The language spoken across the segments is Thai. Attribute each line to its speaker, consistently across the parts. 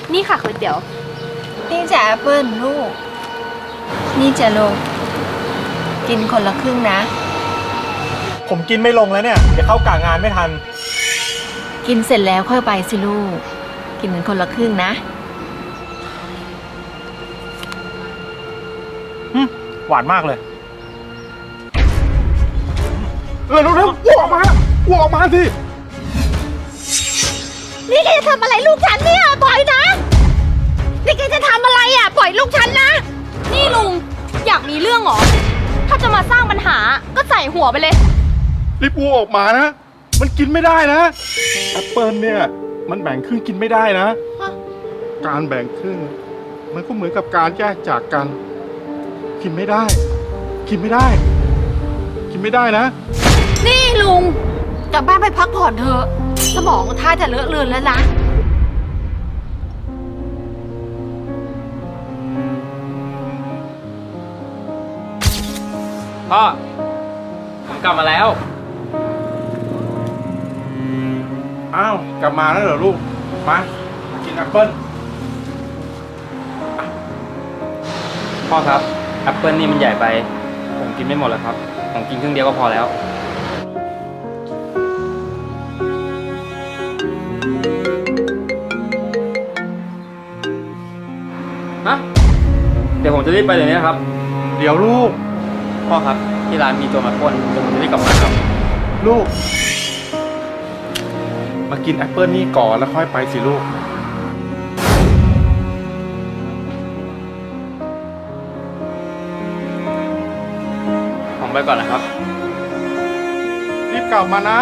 Speaker 1: นี่ค่ะก๋วยเตี๋ยว
Speaker 2: นี่จะแอปเปิลลูก นี่จะลงกินคนละครึ่งนะ
Speaker 3: ผมกินไม่ลงแล้วเนี่ยเดี๋ยวเข้ากะงานไม่ทัน
Speaker 2: กินเสร็จแล้วค่อยไปสิลูก กินกันคนละครึ่งนะ
Speaker 3: หวานมากเลย
Speaker 4: เร็วๆอ้วกออกมาอ้วกออกมาสิ
Speaker 1: นี่แกจะทำอะไรลูกฉันเนี่ยปล่อยนะ นี่แกจะทำอะไรอ่ะปล่อยลูกฉันนะ นี่ลุงอยากมีเรื่องเหรอ ถ้าจะมาสร้างปัญหาก็ใส่หัวไปเลย
Speaker 4: รีบอ้วกออกมานะ มันกินไม่ได้นะแอปเปิลเนี่ยมันแบ่งครึ่งกินไม่ได้นะ การแบ่งครึ่งมันก็เหมือนกับการแยกจากกัน กินไม่ได้ กินไม่ได้ กินไม่ได้นะ
Speaker 1: นี่ลุงกลับบ้านไปพักผ่อนเถอะ สมองท่าจะเลอะเลือนแล้วนะ
Speaker 5: พ่อ ผมกลับมาแล้ว
Speaker 4: อ้าวกลับมาแล้วเหรอลูก มากินแอปเปิล
Speaker 5: พ่อครับแอปเปิลนี่มันใหญ่ไป ผมกินไม่หมดแล้วครับ ผมกินครึ่งเดียวก็พอแล้วฮะเดี๋ยวผมจะรีบไปเดี๋ยวนี้ครับ
Speaker 4: เดี๋ยวลูก
Speaker 5: พ่อครับที่ร้านมีโจรมาปล้นเดี๋ยวผมจะรีบกลับมาครับ
Speaker 4: ลูก มากินแอปเปิลนี่ก่อนแล้วค่อยไปสิลูก
Speaker 5: ผมไปก่อนนะครับ
Speaker 4: รีบกลับมานะ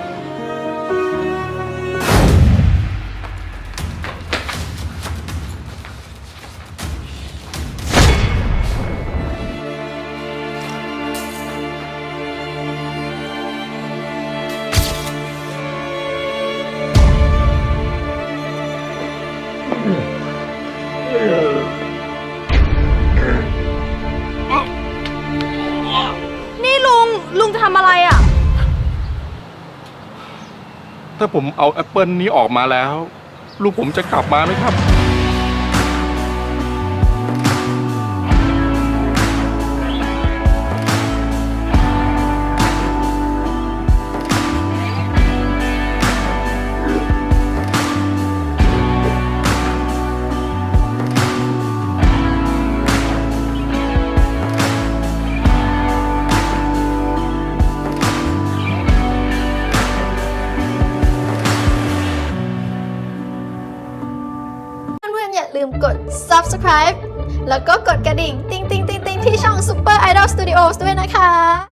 Speaker 1: นี่ลุงจะทำอะไรอ่ะ
Speaker 4: ถ้าผมเอาแอปเปิลนี้ออกมาแล้ว ลูกผมจะกลับมาไหมครับ
Speaker 6: เพื่อนๆอย่าลืมกด subscribe แล้วก็กดกระดิ่ง ติ๊งๆๆๆ ที่ช่อง Super Idol Studios ด้วยนะคะ